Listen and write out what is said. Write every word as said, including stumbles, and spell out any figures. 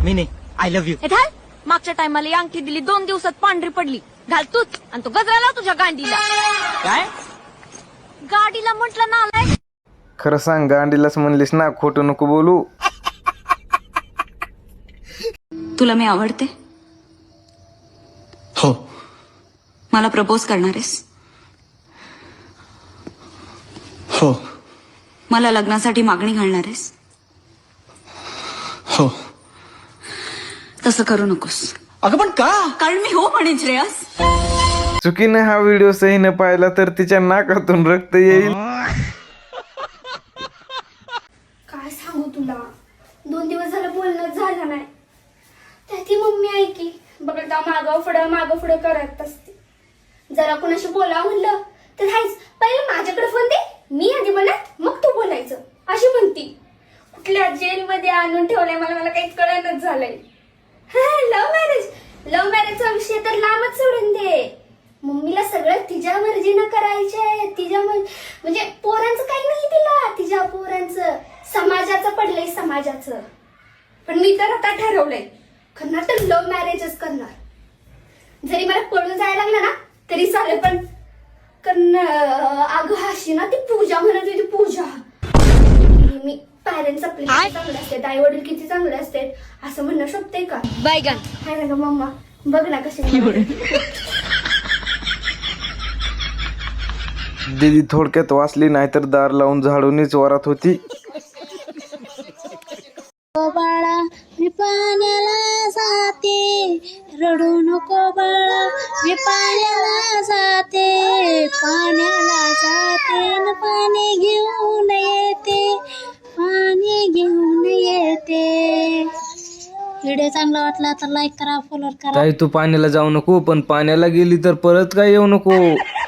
मी नाही, I love you. हे घाल. मागच्या टायमाला ही अंगठी दिली, दोन दिवसात पांढरी पडली. घाल तूच आणि तो गजरा लाव तुझ्या गांडीला. काय? गाडीला म्हटलं ना आलाय. खरं सांग, गांडीलाच म्हणलीस ना, खोटं नको बोलू. तुला मी आवडते. हो. मला प्रपोज करणार आहेस? हो. मला लग्नासाठी मागणी घालणार आहेस? हो. तसं करू नकोस. अगं पण का? कारण मी हो म्हणेन श्रेयस. चुकीने हा व्हिडिओ सहीने पाहिला तर तिच्या नाकातून रक्त येईल. काय सांगू तुला, दोन दिवस झालं बोलणं झालं नाही. त्याची मम्मी ऐकी बघा मागं पुढं मागं पुढं करत असते. जरा कोणाशी बोला म्हणलं तर हायच पहिले माझ्याकडे फोन दे, मी आधी बोलत मग तू बोलायचं अशी म्हणती. कुठल्या जेलमध्ये आणून ठेवलंय मला मला काही कळणच झालंय. लव्ह मॅरेज लव्ह मॅरेजचा विषय तर लांबच सोडून दे. मम्मीला सगळं तिच्या मर्जीनं करायचंय. तिच्या म्हणजे पोरांचं काही नाही तिला, तिच्या पोरांचं समाजाचं पडलंय समाजाचं. पण मी तर आता ठरवलंय करणार तर लव्ह मॅरेजच करणार. जरी मला पळून जायला लागलं ना तरी चालेल, पण करणार. अगं हाशी ना ती पूजा म्हणत होती, पूजा. मी पॅरेंट्स आपले किती चांगले असतात, आई वडील किती चांगले असतात असं म्हणणं शोभतंय का? बैगन हाय ना ग मम्मा, बघ ना कशी. दीदी थोडक्यात वाचली, नाहीतर दार लावून झाडूनच वरात होती. बाळा मी पाण्याला जाते, रडू नको बाळा मी पाण्याला जाते, पाण्याला जाते न पाणी घेऊन येते, पाणी घेऊन येते. व्हिडिओ चांगला वाटला तर लाईक करा, फॉलो करा. ताई तू पाण्याला जाऊ नको, पण पाण्याला गेली तर परत काय येऊ नको.